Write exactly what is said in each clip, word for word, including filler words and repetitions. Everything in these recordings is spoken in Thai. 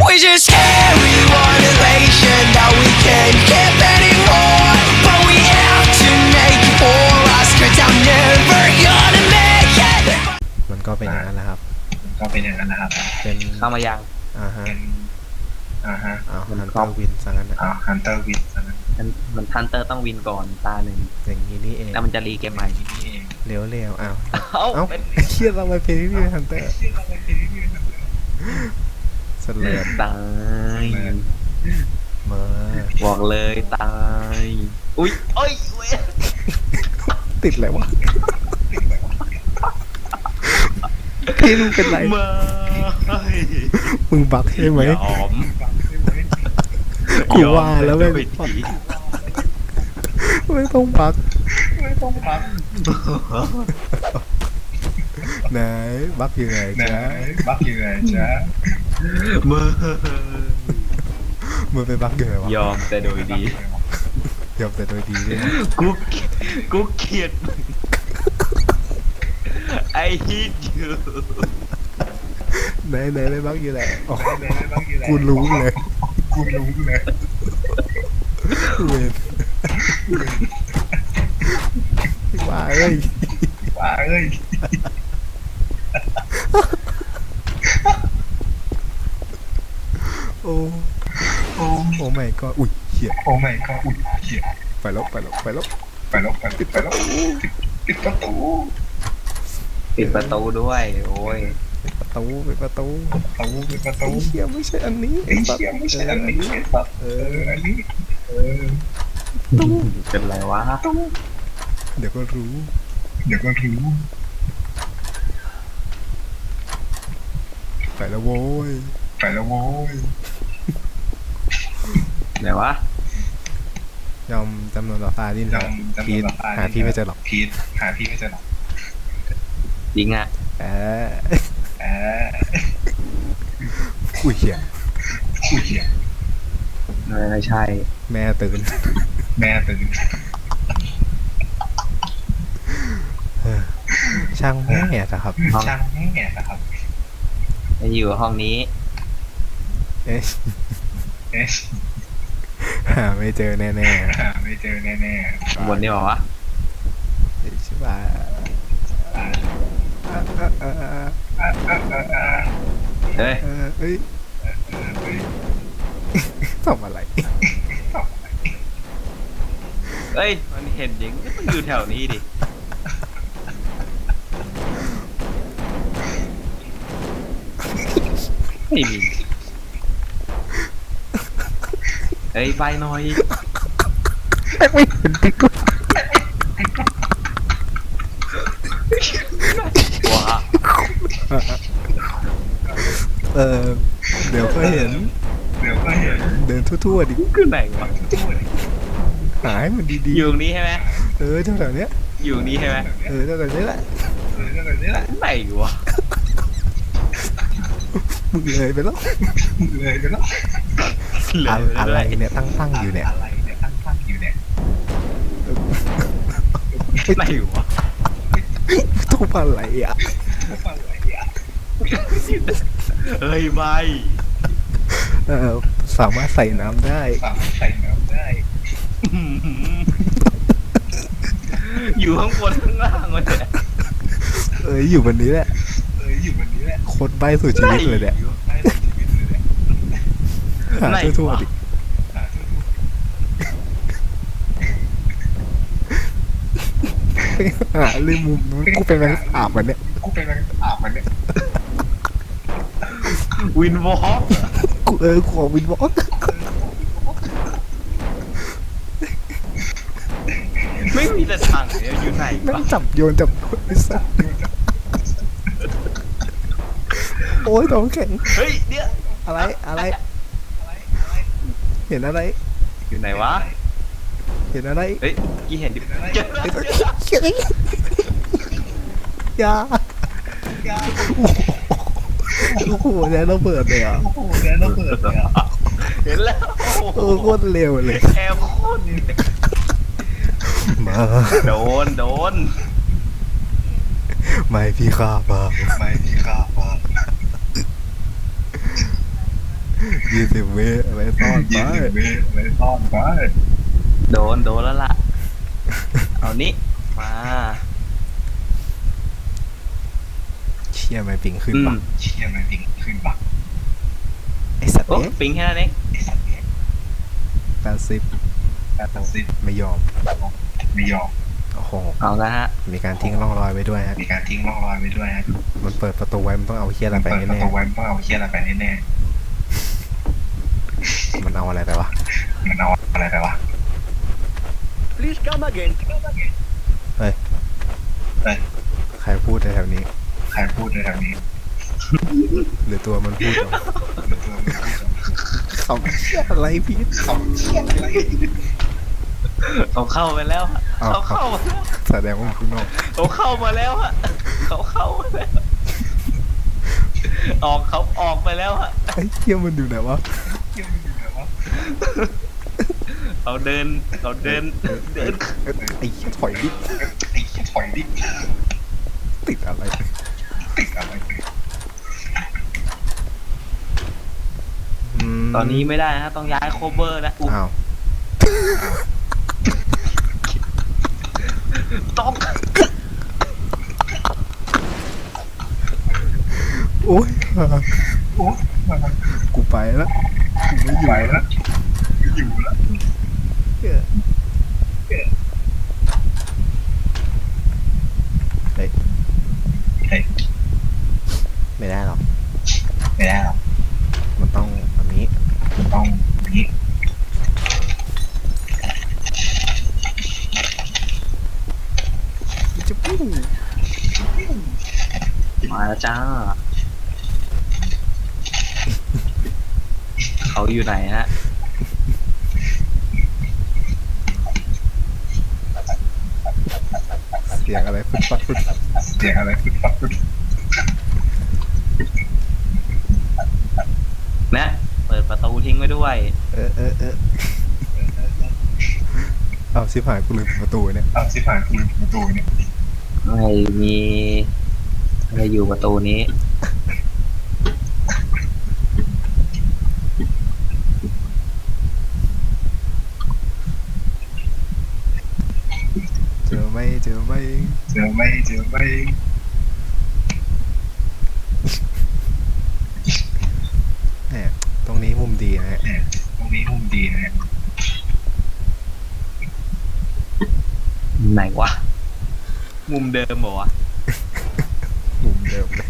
We just carry one elation that we can't keep anymore. But we have to make it for us, cause I'm never gonna make it. มันก็เป็นอย่างนั้นแหละครับก็เป็นอย่างนั้นนะครับเป็นเข้ามายังอ่าฮะอ่าฮะอ้าวฮันเตอร์วินซะงั้นนะอ้าวฮันเตอร์วินซะงั้นมันมันทันเตอร์ต้องวินก่อนตาหนึ่งอย่างนี้นี่เองแล้วมันจะรีเกมใหม่นี่เองเร็วเร็วอ้าวเอ้าเอ้าเครียดเราไปเพลย์พี่ฮันเตอร์เสลือตายมาบอกเลยตายอุ้ยเอ้ยติดอะไรวะพี่มึงเป็นไรมามึงบักใช่ไหมยอมกูว่าแล้วไม่ไม่ต้องบักไม่ต้องบักไหนบักยังไงจ๊ะบักยังไงจ๊ะมือมือไปบักยังไงวะยอมแต่โดยดียอมแต่โดยดีด้วยกูกูเกลียดไอ้ฮิตอยู่ไหนไหนไม่บักอยู่ไหนอ๋อกูรู้เลยกูรู้เลยเว้ยว่าเอ้ยว่าเอ้ยโอ้โอ้โอ้ไม่ก็อุ้ยเหี้ยโอ้ไม่ก็อุ้ยเหี้ยไปแล้วไปแล้วไปแล้วไปแล้วไปปิดไปแล้วปิดประตูปิดประตูด้วยโอ้ยปิดประตูปิดประตูประตูปิดประตูเหี้ยไม่ใช่อันนี้ไอ้เหี้ยไม่ใช่อันนี้เอออันนี้เออตู้เป็นไรวะเดี๋ยวก็รู้เดี๋ยวก็รู้ไปแล้วโว้ยไปแล้วโว้ยไหนวะยอมจำนวนต่อฟ้าดิ้นพีทหาพี่ไม่เจอหรอกพีทหาพี่ไม่เจอหรอกจริงอ่ะเออเอออุ้ยเหี้ยอุ้ยเหี้ยไม่ใช่แม่ตื่นแม่ตื่นช่างแม่นะครับช่างแม่นะครับอยู่ห้องนี้เอ๊ะเอ๊ะหาไม่เจอแน่ๆหาไม่เจอแน่ๆบนนี้บอกว่าใช่ป่ะเฮ้ยเฮ้ยทำอะไรเฮ้ยมันเห็นยังมันอยู่แถวนี้ดิไม่มีเฮ้ยใบหน่อยไม่เห็นติ๊กว้าเออเดี๋ยวก็เห็นเดี๋ยวก็เห็นเดินทั่วๆดิคือไหนวะหายมันดีๆอยู่นี้ใช่ไหมเออแถวๆเนี้ยอยู่นี้ใช่ไหมเออแถวๆนี้แหละเออแถวๆนี้แหละไหนวะมึงเลยไปแล้วมึงเลยไปแล้วอะไรเนี่ยตั้งตั้งอยู่เนี่ยอะไรเนี่ยตั้งตั้งอยู่เนี่ยไหนวะทุบอะไรอ่ะทุบอะไรอ่ะเฮ้ยใบเออสามารถใส่น้ำได้สามารถใส่น้ำได้อยู่ข้างบนข้างล่างวะเนี่ยเอ้ยอยู่บนนี้แหละเอ้ยอยู่บนนี้แหละโคตรใบสุดชีวิตเลยเนี่ยหาทั่วๆดิหาเรื่องมุมนู้นกูเป็นแมงอาบมันเนี่ยกูเป็นแมงอาบมันเนี่ยวินวอล์กกูเออขอวินวอล์กไม่มีแต่ถังเนี่ยอยู่ไหนนั่งจับโยนจับไอ้สัสโอ้ยท้องแข็งเฮ้ยเดี๋ยวอะไรอะไรเห็นอะไรอยู่ไหนวะเห็นอะไรเฮ้ยกี่เห็นดิยาโอ้โหแล้ระเบิดเลยอ่ะโอ้โหแล้วระเบิดเลยอ่ะเห็นแล้วโอ้โคตรเร็วเลยแอลโคตรมาโดนโดนไม่พี่ข้าบ้างไม่พี่ข้าบ้างยี่สิบวิไว้ซ่อนไปยี่สิบวิไว้ซ่อนไปโดนโดนแล้วล่ะ เอานี้มาเชี่ยไม่ปิงขึ้นอืปะมเชี่ยมันจริงขึ้นปะไอสัตว์โอ้เอ๊ะปิงแค่นั้นเองไอ้สัตว์เนี่ยแปดสิบแปดสิบไม่ยอมไม่ยอมโอ้โหเอาละฮะมีการทิ้งร่องรอยไว้ด้วยฮะมีการทิ้งร่องรอยไว้ด้วยฮะมันเปิดประตูไว้มันต้องเอาเชี่ยอะไรไปเปิดประแน่ตูไว้เพื่อเอาเชี่ยอะไรไปแน่ๆมันเอาอะไรไปวะๆมันเอาอะไรไปวะ Please come again. เฮ้ยเฮ้ยใครพูดในแถวนี้ใครพูดในแถวนี้หรือตัวมันพูดเหรอหรือตัวมันพูดเขาเชี่ยอะไรพีทเขาเชี่ยอะไรเขาเข้าไปแล้วฮะอ้าวเขาเข้ามาแล้วแสดงว่ามันข้างนอกเขาเข้ามาแล้วฮะเขาเข้ามาแล้ว ออกเขาออกไปแล้วฮะไอ้เชี่ยมันอยู่ไหนวะเชี่ยมันอยู่ไหนวะเขาเดินเขาเดินเดินเอ้ยไอ้เชี่ยถอยดิไอ้เชี่ยถอยดิติดอะไรติดอะไรไปมตอนนี้ไม่ได้ฮะต้องย้ายโคเวอร์แล้วอุ๊ยอ้าวต้องโอ้ยโอ้มากูไปแล้วกูไม่อยู่ไปแล้วไม่อยู่แล้วเฮ้ยเฮ้ยไม่ได้หรอกไม่ได้หรอกมันต้องแบบนี้มันต้องอย่างนี้จะปู้มาแล้วจ้า เขาอยู่ไหนฮะเสียงอะไรฟึดฟัดฟึดฟัดเสียงอะไรฟึดฟัดฟึดนะเปิดประตูทิ้งไว้ด้วยเออเออเออเอาชิบหายกูลืมปิดประตูเนี่ยเอาสิผ่านคุณประตูเนี่ยไม่มีอะไรอยู่ประตูนี้เจอไหมเจอไหมเจอไม่เจอไม่แหมตรงนี้มุมดีนะฮะเนี่ยตรงนี้มุมดีนะฮะไหนวะ มุมเดิมเหรอวะมุมเดิมเลย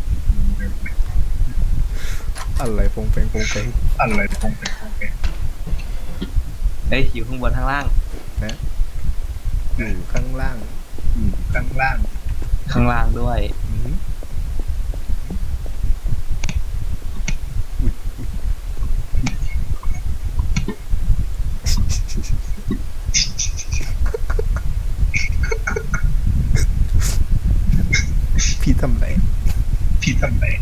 อะไรปงเปงปงเปงอะไรคงเป็นคงเป็นเอ้ยอยู่ข้างบนข้างล่างนะอยู่ข้างล่างอยู่ข้างล่างข้างล่างด้วยอือหืออุ๊ยอุ๊ยพี่ทำไรพี่ทำไหน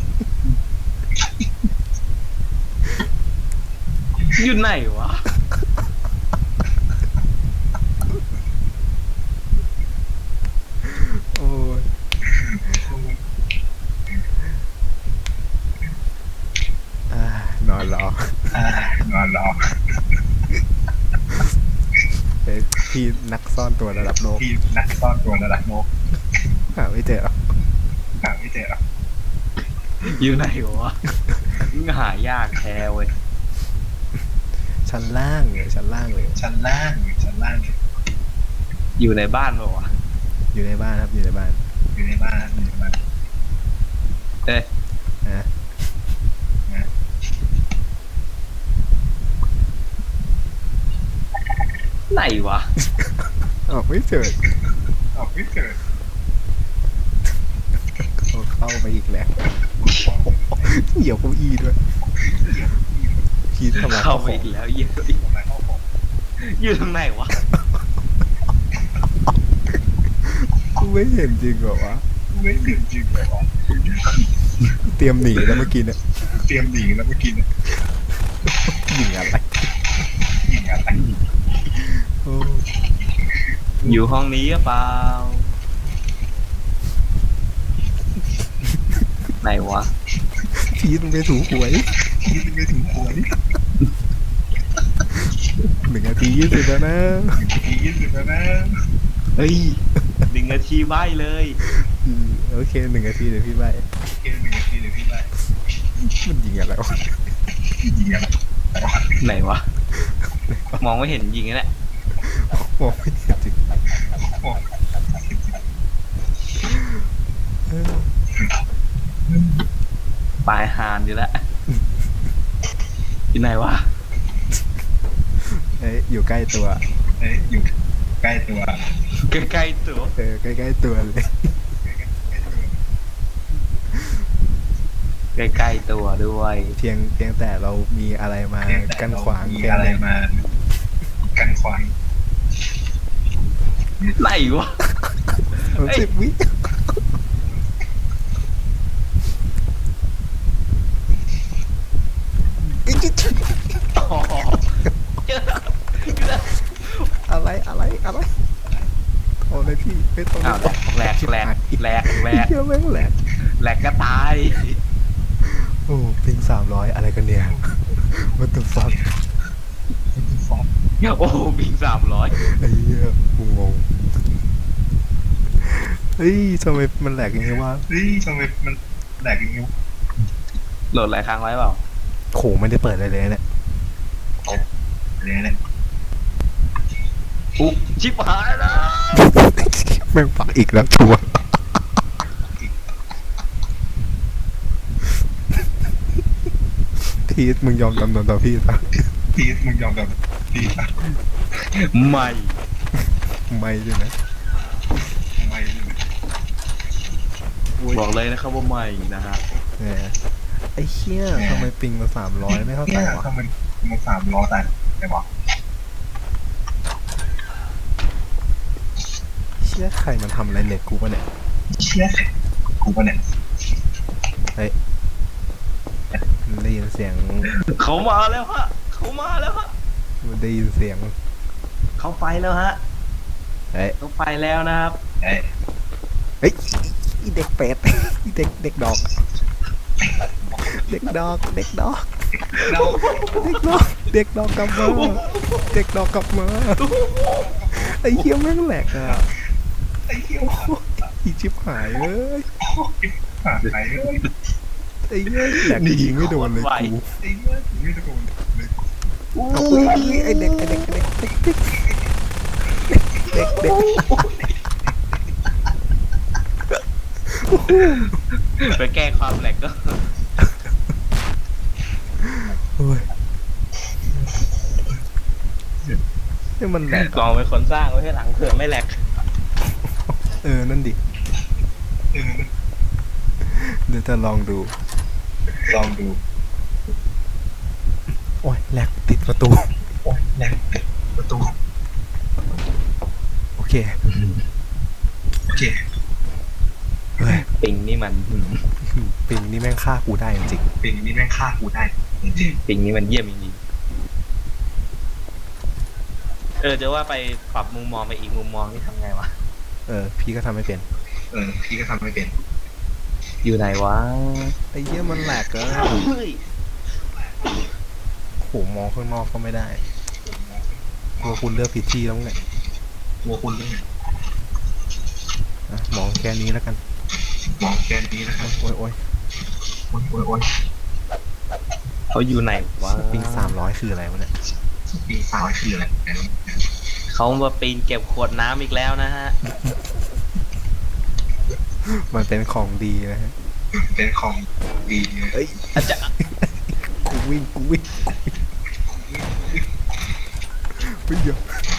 อยู่ไหนวะโอ้ยอ่านอนรออ่านอนรอเฮ้ยพี่นักซ่อนตัวระดับโลกพี่นักซ่อนตัวระดับโลกหาไม่เจอหรอกหาไม่เจอหรอกอยู่ไหนวะหายากแท้เว้ยชั้นล่างเลยชั้นล่างเลยชั้นล่างอยู่ชั้นล่างอยู่ในบ้านเปล่าวะอยู่ในบ้านครับอยู่ในบ้านอยู่ในบ้านอยู่ในบ้านเอ้ยนะนะไหนวะออกไม่เจอออกไม่เจอเอาเข้าไปอีกแล้วเหยียบเก้าอี้ด้วยพี่ทำลายเข้าข้าวไปของอีกแล้วเยี่ยทำไมเข้าของอยู่ทางไหนวะกูไม่เห็นจริงเหรอวะไม่เห็นจริงเลยวะเตรียมหนีแล้วเมื่อกี้เนี่ยเตรียมหนีแล้วเมื่อกี้เนี่ยหนีอะไรยิงอะไรโอ้อยู่ห้องนี้หรือเปล่า ไหนวะพีทมึงไปถูหวยพี่ไม่หนึ่งนาทียี่สิบแล้วนะยี่สิบแล้วนะเฮ้ยหนึ่งนาทีใบเลยอืมโอเคหนึ่งนาทีเดี๋ยวพี่ใบเกมหนึ่งนาทีเดี๋ยวพี่ไปมันยิงอะไรวะยิงอะไรไหนวะมองไม่เห็นยิงนี่แหละมองไม่เห็นจริงเออปลายหานอยู่แล้วที่ไหนวะเอ้ยอยู่ใกล้ตัวเอ้ยอยู่ใกล้ตัวใกล้ๆตัวเออใกล้ๆตัวเลยใกล้ๆตัวด้วยเพียงเพียงแต่เรามีอะไรมากั้นขวางมีแค่อะไรนั้นมากันขวางไหนวะเออสิบวิเอ้ยจิ๊ดอ๋อเจอแล้วเจอแล้วอะไรอะไรอะไรโอ้เลยพี่ไม่ต้องอ้าวแหลกแหลกแหลกแหลกเชื่อแม่งแหลกแหลกก็ตายโอ้ปิงสามร้อยอะไรกันเนี่ยมันตุฟังโอ้บิงสามร้อยไอ้เหี้ยกูงงเฮ้ยทำไมมันแหลกอย่างงี้วะเฮ้ยทำไมมันแหลกอย่างนี้โหลดหลายครั้งไว้เปล่าโหไม่ได้เปิดอะไรเลยเนี่ยเนี่ยเนี่ยอุ๊ชิบหายแล้วแม่งปักอีกแล้วชัวร์ทีสมึงยอมจำนนต่อพี่ปะพีทมึงยอมแบบพีทอะไม่ไม่ใช่ไหมไม่เลยบอกเลยนะครับว่าไม่นะฮะเนี่ยไอ้เชี่ยทำไมปิงมาสามร้อยไม่เข้าใจเนี่ยวะทำไมมันสามล้อแต่แต่บอกเชี่ยใครมันทำอะไรเน็ตกูปะเนี่ยเชี่ยกูปะเนี่ยมันได้ยินเสียงเขามาแล้วฮะเขามาแล้วฮะมันได้ยินเสียงเขาไปแล้วฮะเฮ้ยเขาไปแล้วนะครับเอ้ยเฮ้ยอีเด็กเป็ดอีเด็กเด็กดอก เด็กดอกเด็กดอกเราเด็กดอกเด็กดอกกลับมาเด็กดอกกลับมาไอ้เหี้ยแม่งแหลกอ่ะไอ้เหี้ยโอ้โหอีชิบหายเอ้ยผ่านไปเลยไอ้เหี้ยแหลกยิงไม่โดนเลยกูไอ้เหี้ยไม่ตะโกนเลยเอาไปไอ้เด็กไอ้เด็กไอ้เด็กเด็กเด็กเด็กเด็กไปแก้ความแหลกก็โอ้ยนี่มันแหลกลองเป็นคนสร้างไว้ให้หลังเผื่อไม่แหลกเออนั่นดิเออเดี๋ยวจะลองดูลองดูโอ้ยแหลกติดประตูโอ้ยแหลกประตูโอเคโอเคเฮ้ยปิงนี่มันปิงนี่แม่งฆ่ากูได้จริงปิงนี่แม่งฆ่ากูได้จริงปิงนี่มันเยี่ยมจริงๆเออจะว่าไปปรับมุมมองไปอีกมุมมองนี่ทำไงวะๆเออพี่ก็ทำไม่เป็นเออพี่ก็ทำไม่เป็นอยู่ไหนวะไอ้เหี้ยมันแหลกเอะเฮ้ยโหมองข้างนอกก็ไม่ได้กลัวคุณเลือกผิดที่แล้วไงกลัวคุณด้วยอ่ะมองแค่นี้แล้วกันมองแกนนี้นะครับโอ้ยโอ้ยโอ้ยโอ้ยโอ้ยเขาอยู่ไหนวะปิงสามร้อยคืออะไรวะเนี่ยปีสาวคืออะไรเขามาปีนเก็บขวดน้ำอีกแล้วนะฮะมันเป็นของดีนะฮะเป็นของดีเอ้ยอาจจะกูวิ่งกูวิ่งกูวิ่งวิ่งเยอะ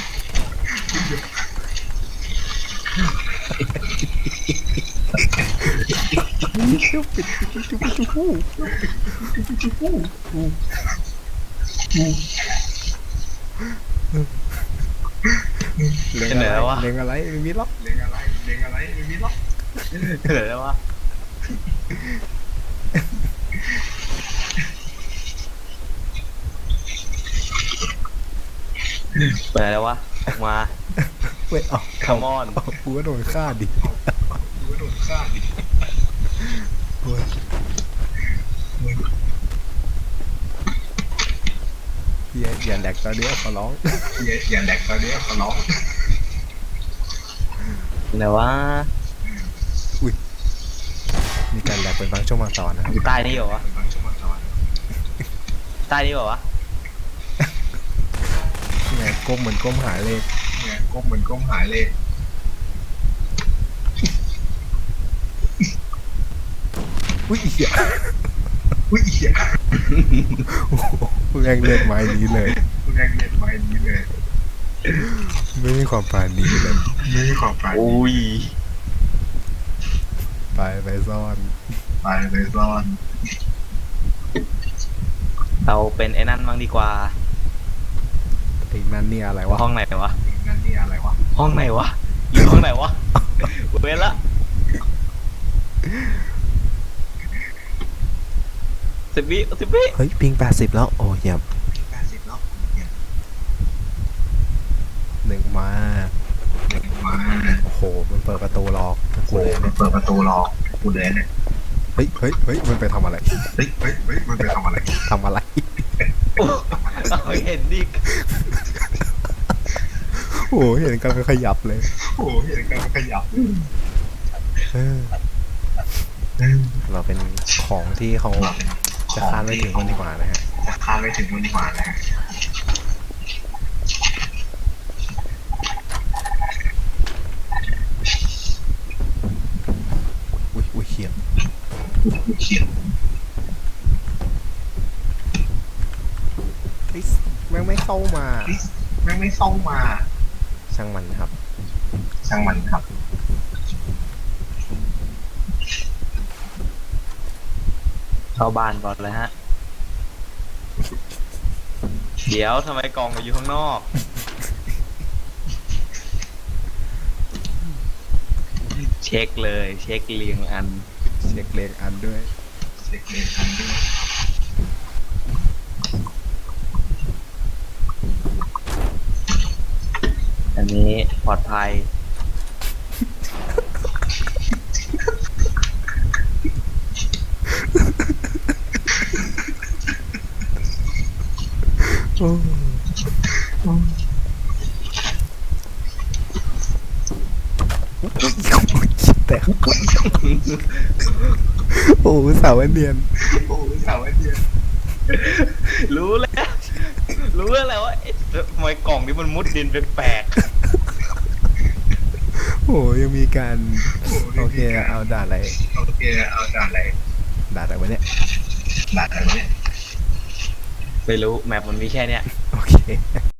เชี่ยวปิดปิดปิดปิดปิดปิดหูเล็งอะไรเล็งอะไรไม่มีล็อกเลี้ยงอะไรเลี้ยงอะไรไม่มีหรอกเหลือแล้ววะไปไหนแล้ววะออกมาเว้ยเอา Come on เอากูก็โดนฆ่าดิดูว่าโดนฆ่าดิเว้ยอย่าอย่าแดกตอนเนี้ยขอร้องอย่าอย่าแดกตอนนี้ขอร้องไหนวะมีการแดกเป็นบางช่วงบางตอนนะครับอยู่ใต้นี่เหรอวะบางชั่วโมงตอนใต้นี่เหรอวะไงก้มเหมือนก้มหาเลขเนี่ยก้มเหมือนก้มหายเลยอุ้ยเหี้ยอุ้ยเหี้ยโอ้โหแรงเลือดไม้นี้เลยแรงเล่นไม้นี้เลยไม่มีความปราณีเลยไม่มีความปราณีอุ้ยไปไปซ่อนไปเลยซ่อนเราเป็นไอ้นั่นบ้างดีกว่าไอ้นั่นเนี่ยอะไรวะห้องไหนวะนั่นนี่อะไรวะห้องไหนวะ อยู่ห้องไหนวะ เว้นละสิบวิสิบวิเฮ้ยปิงแปดสิบแล้วโอ้เยี่ยมแปดสิบแล้วเนี่ยหนึ่งมาเด็กมาโอ้โหมันเปิดประตูรอกูเลยเนี่ยเปิดประตูรอกูเลยเนี่ยเฮ้ยเฮ้ยเฮ้ยมันไปทำอะไรเฮ้ยเฮ้ยเฮ้ยมันไปทำอะไรทำอะไรโอ้เอาเห็นดิโอ้โหเห็นกันขยับเลยโอ้เห็นกันขยับเออเราเป็นของที่เขาจะคาดไม่ถึงคนดีกว่านะฮะจะคาดไม่ถึงมันดีกว่านะฮะอุ้ยอุ้ยเขียนเขียนเฮ้ยแม่งไม่เข้ามาแม่งไม่เข้ามาช่างมันครับช่างมันครับเข้าบ้านก่อนเลยฮะ เดี๋ยวทำไมกล่องอยู่ข้างนอก เช็คเลย เช็คเรียงอันเช็คเลขอันด้วยเช็คเลนทันด้วยอันนี้ปลอดภัยโอ้แต่ โอ้สาวเนียนโอ้ยสาวไอเดียรู้แล้ว รู้แล้วแหละว่าเอ๊ะทำไมกล่องนี้มันมุดดินแปลกโอ้ยังมีการโอเคเอาด่าอะไรโอเคเอาด่านอะไรด่าอะไรวะเนี่ยด่านอะไรเนี่ยๆไม่รู้แมปมันมีแค่เนี้ยโอเค